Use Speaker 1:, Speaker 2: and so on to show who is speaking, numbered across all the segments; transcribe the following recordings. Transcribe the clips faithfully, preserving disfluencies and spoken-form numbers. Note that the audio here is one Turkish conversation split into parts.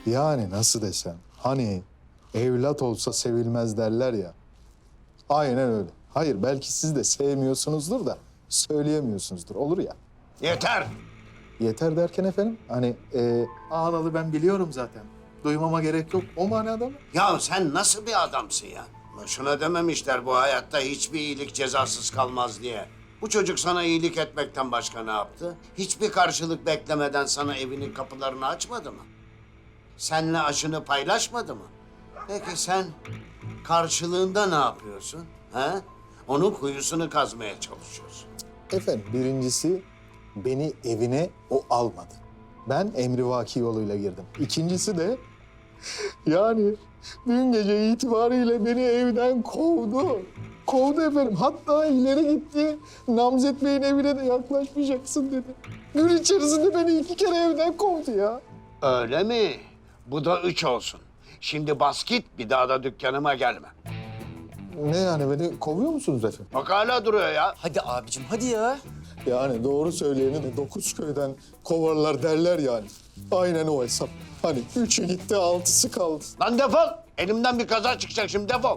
Speaker 1: Yani nasıl desem, hani evlat olsa sevilmez derler ya. Aynen öyle. Hayır, belki siz de sevmiyorsunuzdur da söyleyemiyorsunuzdur. Olur ya.
Speaker 2: Yeter.
Speaker 1: Yeter derken efendim, hani e, ağlalı ben biliyorum zaten. Duymama gerek yok. O manada mı?
Speaker 2: Ya sen nasıl bir adamsın ya? Boşuna dememişler bu hayatta hiçbir iyilik cezasız kalmaz diye. Bu çocuk sana iyilik etmekten başka ne yaptı? Hiçbir karşılık beklemeden sana evinin kapılarını açmadı mı? Seninle aşını paylaşmadı mı? Peki sen karşılığında ne yapıyorsun? Ha? Onun kuyusunu kazmaya çalışıyorsun.
Speaker 1: Efendim, birincisi beni evine o almadı. Ben emrivaki yoluyla girdim. İkincisi de yani dün gece itibariyle beni evden kovdu. Kovdu efendim. Hatta ileri gitti. Namzet Bey'in evine de yaklaşmayacaksın dedi. Gün içerisinde beni iki kere evden kovdu ya.
Speaker 2: Öyle mi? Bu da üç olsun. Şimdi bas git, bir daha da dükkanıma gelme.
Speaker 1: Ne yani, beni kovuyor musunuz efendim?
Speaker 2: Bak hala duruyor ya.
Speaker 3: Hadi abicim hadi ya.
Speaker 1: Yani doğru söyleyeni de dokuz köyden kovarlar derler yani. Aynen o hesap. Hani üçü gitti, altısı kaldı.
Speaker 2: Lan defol! Elimden bir kaza çıkacak şimdi, defol!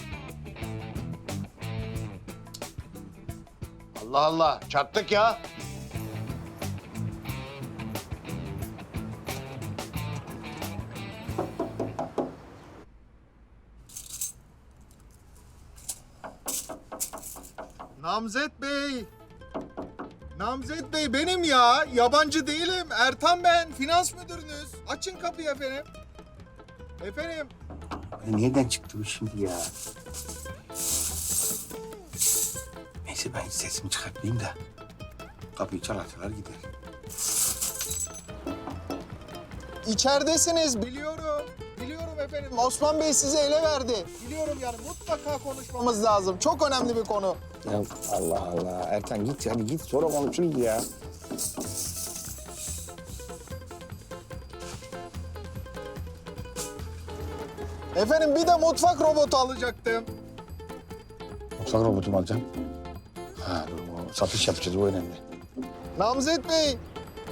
Speaker 2: Allah Allah, çattık ya.
Speaker 1: Namzet Bey. Namzet Bey benim ya. Yabancı değilim. Ertan ben. Finans müdürünüz. Açın kapıyı efendim. Efendim.
Speaker 4: Nereden çıktı bu şimdi ya? Neyse ben hiç sesimi çıkartmayayım da kapıyı çalar çalar gider.
Speaker 1: İçeridesiniz biliyorum. Biliyorum efendim. Osman Bey size ele verdi. Biliyorum yani, mutlaka konuşmamız lazım. Çok önemli bir konu.
Speaker 4: Ya Allah Allah Ertan git hadi git sonra konuşuruz ya.
Speaker 1: Efendim bir de mutfak robotu alacaktım.
Speaker 4: Mutfak robotumu alacağım. Ha dur o satış yapacağız o önemli.
Speaker 1: Namzet Bey.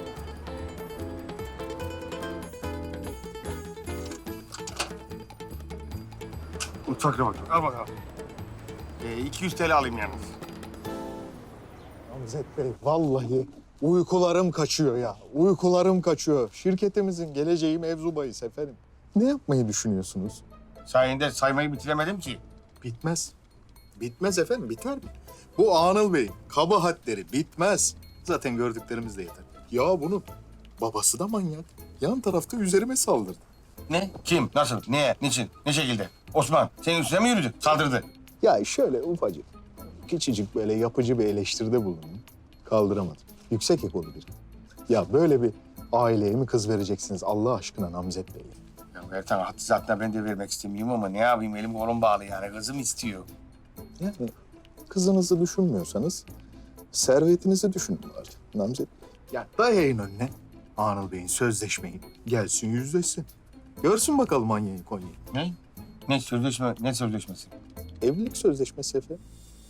Speaker 4: Mutfak robotu al bakalım. Ee, iki yüz T L alayım yalnız.
Speaker 1: Namzet Bey vallahi uykularım kaçıyor ya. Uykularım kaçıyor. Şirketimizin geleceği mevzu bahis efendim. Ne yapmayı düşünüyorsunuz?
Speaker 4: Sayende saymayı bitiremedim ki.
Speaker 1: Bitmez. Bitmez efendim, biter mi? Bu Anıl Bey'in kabahatleri bitmez. Zaten gördüklerimiz de yeter. Ya bunun babası da manyak. Yan tarafta üzerime saldırdı.
Speaker 4: Ne? Kim? Nasıl? Niye? Niçin? Ne şekilde? Osman senin üstüne mi yürüdü? Saldırdı.
Speaker 1: Ya şöyle ufacık, küçücük böyle yapıcı bir eleştiride bulundum. Kaldıramadım. Yüksek ekolu biri. Ya böyle bir aileye mi kız vereceksiniz Allah aşkına Namzet Bey?
Speaker 4: Ya Ertan hattı zaten ben de vermek istemiyorum ama ne yapayım elim kolum bağlı yani kızım istiyor.
Speaker 1: Yani kızınızı düşünmüyorsanız servetinizi düşünün bari Namzet Bey. Ya dayayın önüne Anıl Bey'in sözleşmeyi. Gelsin yüzleşsin. Görsün bakalım Anya'yı Konya'yı.
Speaker 4: Ne? Ne sözleşme? Ne sözleşmesi?
Speaker 1: Evlilik sözleşmesi efendim.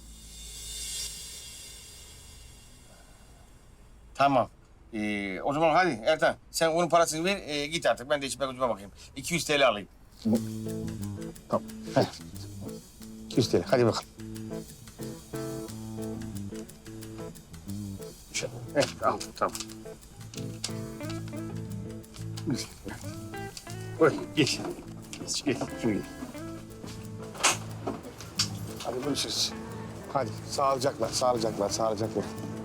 Speaker 4: Tamam. Ee, o zaman hadi Ertan sen onun parasını ver e, git artık ben de içime gözüme bakayım. iki yüz T L alayım.
Speaker 1: Tamam.
Speaker 4: Heh. iki yüz T L hadi bakalım. Şöyle. Evet al tamam. Oy geç. Geç geç. Şuraya. Hadi görüşürüz. Hadi sağlıcakla, sağlıcakla, sağlıcakla.